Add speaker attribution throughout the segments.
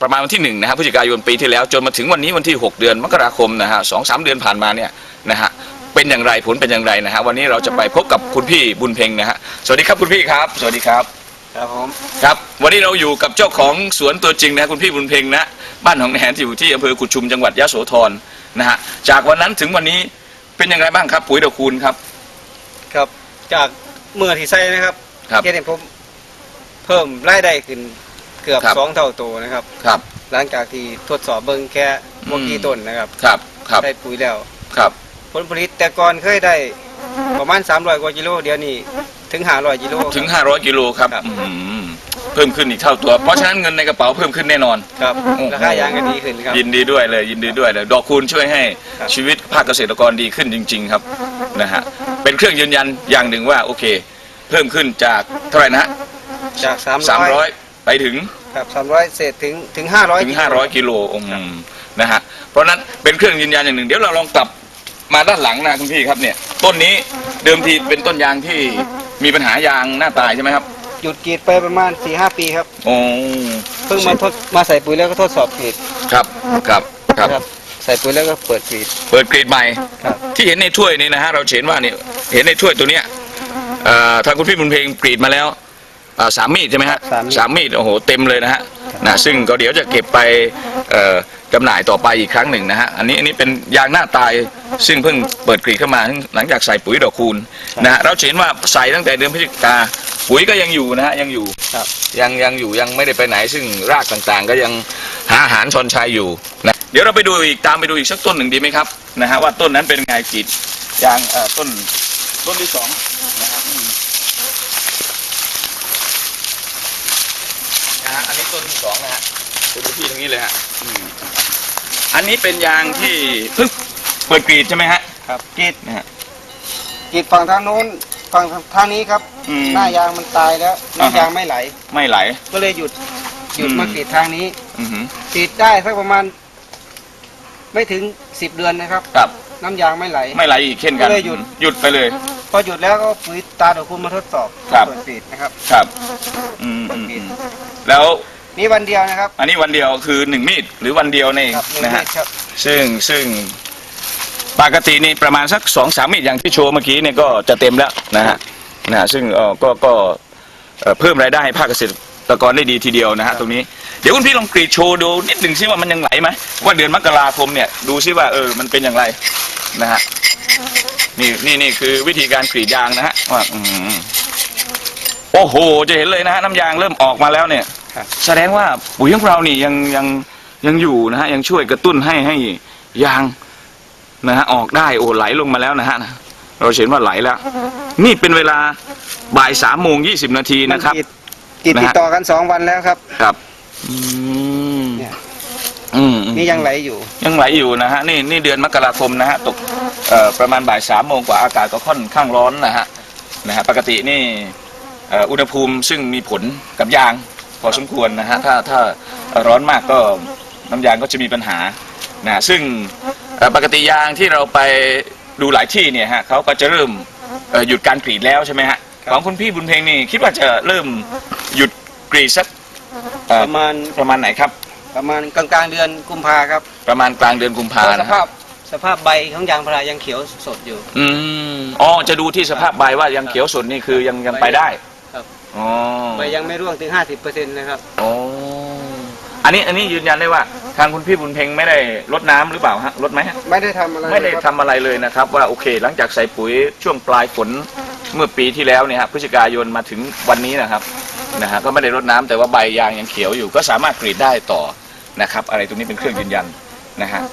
Speaker 1: ประมาณวันที่1นะฮะพฤศจิกายนปีที่แล้วจนมาถึงวันนี้วันที่6 เดือนมกราคมนะฮะ2-3 เดือนผ่านมาเนี่ยนะฮะเป็นอย่างไรผลเป็นอย่างไรนะฮะวันนี้เราจะไปพบกับคุณพี่บุญเพ็งนะฮะสวัสดีครับคุณพี่ครับสวัสดีครับ
Speaker 2: ครับผม
Speaker 1: ครับวันนี้เราอยู่กับเจ้าของสวนตัวจริงนะคุณพี่บุญเพ็งนะบ้านของแหนที่อยู่ที่อำเภอกุดชุมจังหวัดยะโสธรนะฮะจากวันนั้นถึงวันนี้เป็นอย่างไรบ้างครับปุ๋ยดอกคูณครับ
Speaker 2: ครับจากเมื่อที่ใส่นะครับเห็นผมเพิ่มรายได้ขึ้นเกือบ2 เท่าตัวนะครับ
Speaker 1: ครับ
Speaker 2: หลังจากที่ทดสอบเบิ้งแค่พวกกี่ต้นนะครับ
Speaker 1: ครับ
Speaker 2: ได้ปุ๋ยแล้ว
Speaker 1: ครับ
Speaker 2: ผลผลิตแต่ก่อนเคยได้ประมาณ300 กว่ากิโลเดี๋ยวนี้ถึง500 กิโล
Speaker 1: ถึง500 กิโลครับเพิ่มขึ้นอีกเท่าตัวเพราะฉะนั้นเงินในกระเป๋าเพิ่มขึ้นแน่นอน
Speaker 2: ครับราคายางก็ดีขึ้นครับ
Speaker 1: ยินดีด้วยเลยยินดีด้วยเลยดอกคูณช่วยให้ชีวิตภาคเกษตรกรดีขึ้นจริงๆครับนะฮะเป็นเครื่องยืนยันอย่างหนึ่งว่าโอเคเพิ่มขึ้นจากเท่าไหร่นะ
Speaker 2: จาก
Speaker 1: 300ไปถึง
Speaker 2: ครับ300เศษถึง500
Speaker 1: กิโลนะฮะเพราะนั้นเป็นเครื่องยืนยันอย่างหนึ่งเดี๋ยวเราลองกลับมาด้านหลังนะคุณพี่ครับเนี่ยต้นนี้เดิมทีเป็นต้นยางที่มีปัญหายางหน้าตายใช่ไหมครับ
Speaker 2: หยุดกรีดไปประมาณ 4-5 ปีครับ
Speaker 1: โอ้
Speaker 2: เพิ่งมาใส่ปุ๋ยแล้วก็ทดสอบกรีด
Speaker 1: ครับ
Speaker 2: ใส่ปุ๋ยแล้วก็เปิดก
Speaker 1: รีดใหม่ที่เห็นในถ้วยนี้นะฮะเราเห็นว่าเนี่ยเห็นในถ้วยตัวเนี้ยทางคุณพี่บุญเพ็งกรีดมาแล้ว3 มีดใช่ไหมฮะ3 มีดโอ้โหเต็มเลยนะฮะซึ่งก็เดี๋ยวจะเก็บไปจำหน่ายต่อไปอีกครั้งหนึ่งนะฮะอันนี้เป็นยางหน้าตายซึ่งเพิ่งเปิดกรีดเข้ามาหลังจากใส่ปุ๋ยดอกคูณนะฮะเราเห็นว่าใส่ตั้งแต่เดือนพฤศจิกาปุ๋ยก็ยังอยู่นะฮะยังอยู่ยังอยู่ยังไม่ได้ไปไหนซึ่งรากต่างๆก็ยังหาอาหารชอนชัยอยู่นะเดี๋ยวเราไปดูอีกตามไปดูอีกสักต้นหนึ่งดีไหมครับนะฮะว่าต้นนั้นเป็นไงกรีดยางต้นที่2นะครับอันนี้ต้นที่2นะฮะดูที่ตรงนี้เลยฮะอันนี้เป็นยางที่เพิ่งเปิดกรีดใช่ไหมฮะ
Speaker 2: ครับกรีดนะฮะกรีดฝั่งทางโน้นฝั่งทางนี้ครับหน้ายางมันตายแล้วน้ำยางไม่ไหลก็เลยหยุดมากรีดทางนี้กรีดได้สักประมาณไม่ถึง10 เดือนนะครับน้ำยางไม่ไหล
Speaker 1: อีกเช่นกันก็เลยหยุดไปเลย
Speaker 2: พอหยุดแล้วก็ปุ๋ยตาดอกคูณมาทดสอบเปิดกรีดนะครับ
Speaker 1: แล้ว
Speaker 2: นี่วันเดียวนะครับ
Speaker 1: อันนี้วันเดียวคือ1 มีดหรือวันเดียวนี่นะฮะซึ่งปกตินี่ประมาณสัก2-3 มีดอย่างที่โชว์เมื่อกี้เนี่ยก็จะเต็มแล้วนะฮะซึ่งก็เพิ่มรายได้ให้ภาคเกษตรกรได้ดีทีเดียวนะฮะตรงนี้เดี๋ยวคุณพี่ลองกรีดโชว์ดูนิดหนึ่งซิว่ามันยังไหลไหมว่าเดือนมกราคมเนี่ยดูซิว่ามันเป็นอย่างไรนะฮะนี่คือวิธีการกรีดยางนะฮะว่าโอ้โหจะเห็นเลยนะฮะน้ำยางเริ่มออกมาแล้วเนี่ยแสดงว่าปุ๋ยของเรานี่ยังอยู่นะฮะยังช่วยกระตุ้นให้ยางนะฮะออกได้โอ้ไหลลงมาแล้วนะฮะเราเห็นว่าไหลแล้วนี่เป็นเวลาบ่าย 3:20 นาทีนะครับ
Speaker 2: กรีดติดต่อกัน2 วันแล้วครับนี่ยังไหลอยู่
Speaker 1: นะฮะนี่เดือนมกราคมนะฮะตกประมาณบ่าย 3 โมงกว่าอากาศก็ค่อนข้างร้อนนะฮะปกตินี่อุณหภูมิซึ่งมีผลกับยางพอสมควรนะฮะถ้าร้อนมากก็น้ำยางก็จะมีปัญหานะซึ่งปกติยางที่เราไปดูหลายที่เนี่ยฮะเขาก็จะเริ่มหยุดการกรีดแล้วใช่ไหมฮะของคุณพี่บุญเพ็งนี่คิดว่าจะเริ่มหยุดกรีดสักประมาณไหนครับ
Speaker 2: ประมาณกลางเดือนกุมภาครับ
Speaker 1: ประมาณกลางเดือนกุมภา
Speaker 2: สภาพใบของยางพารายังเขียวสดอยู่
Speaker 1: จะดูที่สภาพใบว่ายังเขียวสดนี่คือยังไปได้
Speaker 2: ครับใบยังไม่ร่วงถึง 50%นะครับ
Speaker 1: อันนี้ยืนยันได้ว่าทางคุณพี่บุญเพ็งไม่ได้รดน้ำหรือเปล่าฮะรดไหมฮะ
Speaker 2: ไม่ได้ทำ
Speaker 1: อะไรเลยนะครับว่าโอเคหลังจากใส่ปุ๋ยช่วงปลายฝนเมื่อปีที่แล้วเนี่ยฮะพฤศจิกายนมาถึงวันนี้นะครับก็ไม่ได้รดน้ำแต่ว่าใบยางยังเขียวอยู่ก็สามารถกรีดได้ต่อนะครับอะไรตรงนี้เป็นเครื่องยืนยันนะฮะ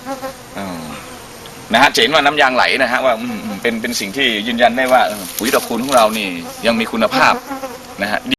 Speaker 1: เห็นว่าน้ำยางไหลนะฮะว่าเป็นสิ่งที่ยืนยันได้ว่าปุ๋ยดอกคูณของเรานี่ยังมีคุณภาพนะฮะ